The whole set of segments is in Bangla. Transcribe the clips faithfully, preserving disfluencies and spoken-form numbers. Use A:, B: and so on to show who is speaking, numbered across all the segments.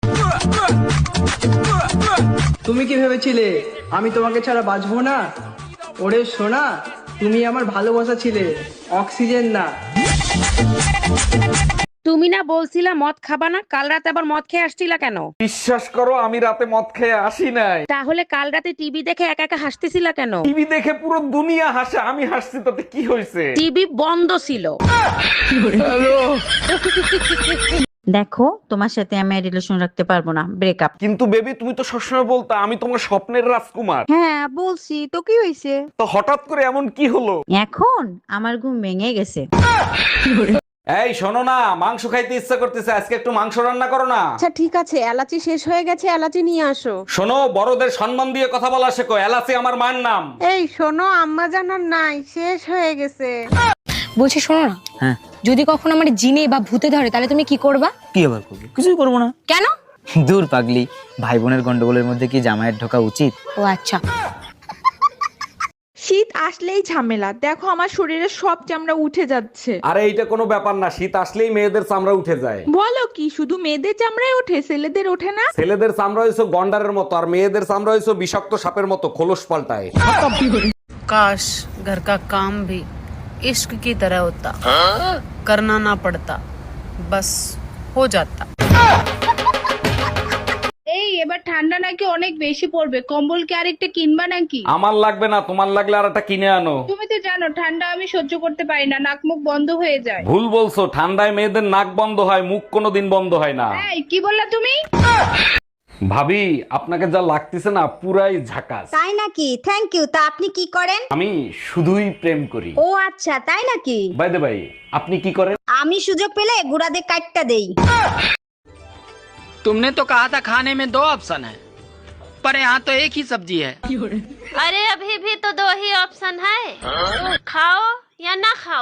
A: তুমি কি ভেবেছিলে আমি তোমাকে ছাড়া বাঁচবো না? ওরে সোনা, তুমি আমার ভালোবাসা ছিলে, অক্সিজেন না।
B: তুমি না বলছিলা মদ খাবা না, কাল রাতে আবার মদ খেয়ে আসছিলা কেন?
C: বিশ্বাস করো আমি রাতে মদ খেয়ে আসি নাই।
B: তাহলে কাল রাতে টিভি দেখে একা একা হাসতেছিলা কেন?
C: টিভি দেখে পুরো দুনিয়া হাসে, আমি হাসছি তাতে কি হয়েছে?
B: টিভি বন্ধ ছিল।
D: দেখো, তোমার সাথে আমি রিলেশন রাখতে পারবো না, ব্রেকআপ।
C: কিন্তু বেবি তুমি তো সবসময় বলতা আমি তোমার স্বপ্নের রাজকুমার।
D: হ্যাঁ বলছি তো, কি হয়েছে?
C: তো হঠাৎ করে এমন কি হলো?
D: এখন আমার ঘুম ভেঙে গেছে।
C: এই শোনো না, মাংস খাইতে ইচ্ছা করতেছে, আজকে একটু মাংস রান্না করো না।
B: আচ্ছা ঠিক আছে, এলাচি শেষ হয়ে গেছে, এলাচি নিয়ে আসো।
C: শোনো, বড়দের সম্মান দিয়ে কথা বলা শেখো, এলাচি আমার মায়ের নাম।
B: এই শোনো, আম্মা জানার নাই, শেষ হয়ে গেছে।
E: বলছি শোনো না,
F: হ্যাঁ
E: যদি কখনো আমার জিনে বা ভূতে ধরে তাহলে তুমি কি করবা?
F: কি আবার করবো? কিছুই করবো না।
E: কেন?
F: দূর পাগলি, ভাই বোনের গন্ডগোলের মধ্যে কি জামাইয়ের ঢোকা উচিত?
E: ও আচ্ছা।
G: শীত আসলেই ঝামেলা, দেখো আমার শরীরে সব চামড়া উঠে যাচ্ছে।
C: আরে এইটা কোনো ব্যাপার না, শীত আসলেই মেয়েদের চামড়া উঠে যায়।
G: বলো কি, শুধু মেয়েদের চামড়ায় ওঠে, ছেলেদের ওঠে না?
C: ছেলেদের চামড়া হয়েছে গন্ডারের মতো, আর মেয়েদের চামড়া হয়েছে বিষাক্ত সাপের মতো, খোলস পাল্টায়।
H: काश घर का काम भी इश्क की तरह होता, करना ना पड़ता, बस हो जाता।
I: এই এবার ঠান্ডা নাকি অনেক বেশি পড়বে, কম্বল কি আরেকটা কিনবা নাকি?
C: আমার লাগবে না, তোমার লাগলে আর একটা কিনে আনো।
I: তুমি তো জানো ঠান্ডা আমি সহ্য করতে পারি না, নাক মুখ বন্ধ হয়ে যায়।
C: ভুল বলছো, ঠান্ডায় মেয়েদের নাক বন্ধ হয়, মুখ কোনোদিন বন্ধ হয় না।
I: এই কি বললা তুমি?
C: ভাবি, আপনাকে যা লাগতেছে না পুরাই ঝাকাস।
D: তাই নাকি? Thank you. তা আপনি কি করেন?
C: আমি শুধুই প্রেম করি।
D: ও আচ্ছা, তাই নাকি?
C: বাই দ্য বাই, আপনি কি করেন?
D: আমি সুযোগ পেলে গুড়াদের কাটটা দেই।
A: तुमने तो कहा था खाने में दो ऑप्शन है, पर यहाँ तो एक ही सब्जी है।
I: अरे अभी भी तो दो ही ऑप्शन है, खाओ या ना खाओ।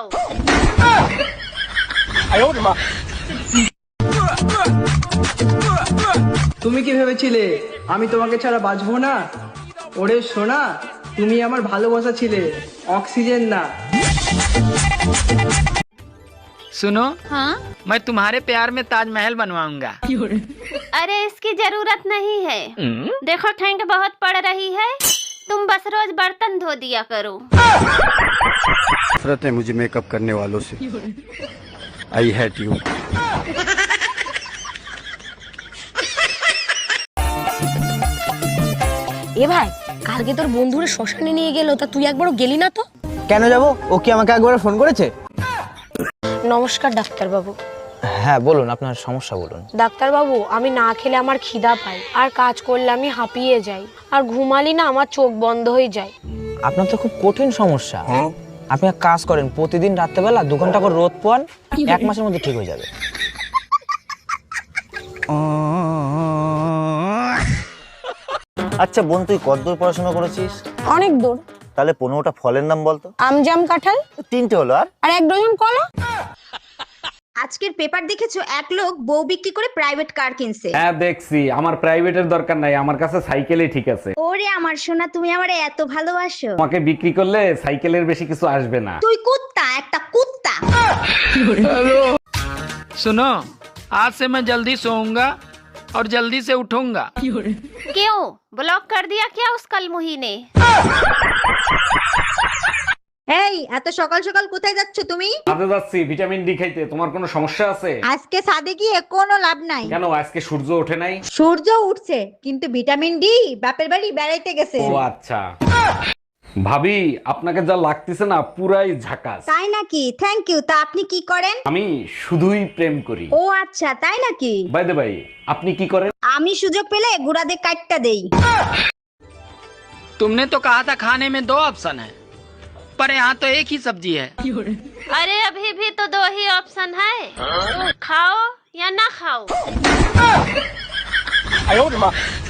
A: তুমি কি ভেবেছিলে আমি তোমাকে ছাড়া বাঁচবো না? ওরে সোনা, তুমি আমার ভালোবাসা ছিলে, অক্সিজেন না। सुनो,
I: हाँ?
A: मैं तुम्हारे प्यार में ताजमहल बनवाऊंगा।
I: अरे इसकी जरूरत नहीं है, देखो ठंड बहुत पड़ रही है, तुम बस रोज बर्तन धो दिया करो।
J: नफरत है मुझे मेकअप करने वालों से। I hate you.
E: এ ভাই, কালকে তোর বন্ধুরা শ্মশানে নিয়ে গেল, তা তুই একবারও গেলি না তো?
F: কেন যাবো? ও কি আমাকে একবার ফোন করেছে?
E: নমস্কার ডাক্তার বাবু।
F: হ্যাঁ বলুন, আপনার সমস্যা বলুন।
E: ডাক্তার বাবু, আমি না খেলে আমার খিদা পায়, আর কাজ করলে আমি হাঁপিয়ে যাই, আর ঘুমালি না আমার চোখ বন্ধ হয়ে যায়।
F: আপনার তো খুব কঠিন সমস্যা। আপনি এক কাজ করেন, প্রতিদিন রাত্রেবেলা দু ঘন্টা করে রোদ পোয়ান, এক মাসের মধ্যে ঠিক হয়ে যাবে।
K: আচ্ছা বোন, তুই কতদূর পড়াশোনা করেছিস?
E: অনেক দূর।
K: তাহলে পনেরোটা ফলের নাম বলতো।
E: আম, জাম, কাঁঠাল।
K: তিনটে হলো, আর
E: আর এক ডজন কলা।
D: আজকের পেপার দেখেছো, এক লোক বউ বিক্রি করে প্রাইভেট কার কিনছে।
C: হ্যাঁ দেখছি, আমার প্রাইভেটের দরকার নাই, আমার কাছে সাইকেলই ঠিক আছে।
D: ওরে আমার সোনা, তুমি আমারে এত ভালোবাসো।
C: তোমাকে বিক্রি করলে সাইকেলের বেশি কিছু আসবে না।
D: তুই কুত্তা, একটা কুত্তা।
A: सुनो, आज से मैं जल्दी सोऊंगा और जल्दी से उठूंगा।
I: क्यों ब्लॉक कर दिया क्या उस कलमुही ने?
D: এই এত সকাল সকাল কোথায় যাচ্ছ তুমি?
C: কাজে যাচ্ছি ভিটামিন ডি খাইতে। তোমার কোনো সমস্যা আছে?
D: আজকে সাদে গিয়ে কোনো লাভ নাই।
C: কেন, আজকে সূর্য ওঠে নাই?
D: সূর্য উঠছে, কিন্তু ভিটামিন ডি বাপের বাড়ি বেড়াইতে গেছে।
C: ও আচ্ছা। ভাবি, আপনাকে যা লাগতেছে না পুরাই ঝাকাস।
D: তাই নাকি? Thank you. তা আপনি কি করেন?
C: আমি শুধুই প্রেম করি।
D: ও আচ্ছা, তাই নাকি?
C: বাই দ্য বাই, আপনি কি করেন?
D: আমি সুযোগ পেলে গুড়াদের কাটটা দেই।
A: तुमने तो कहा था खाने में दो ऑप्शन है, पर यहाँ तो एक ही सब्जी है।
I: अरे अभी भी तो दो ही ऑप्शन है, खाओ या ना खाओ।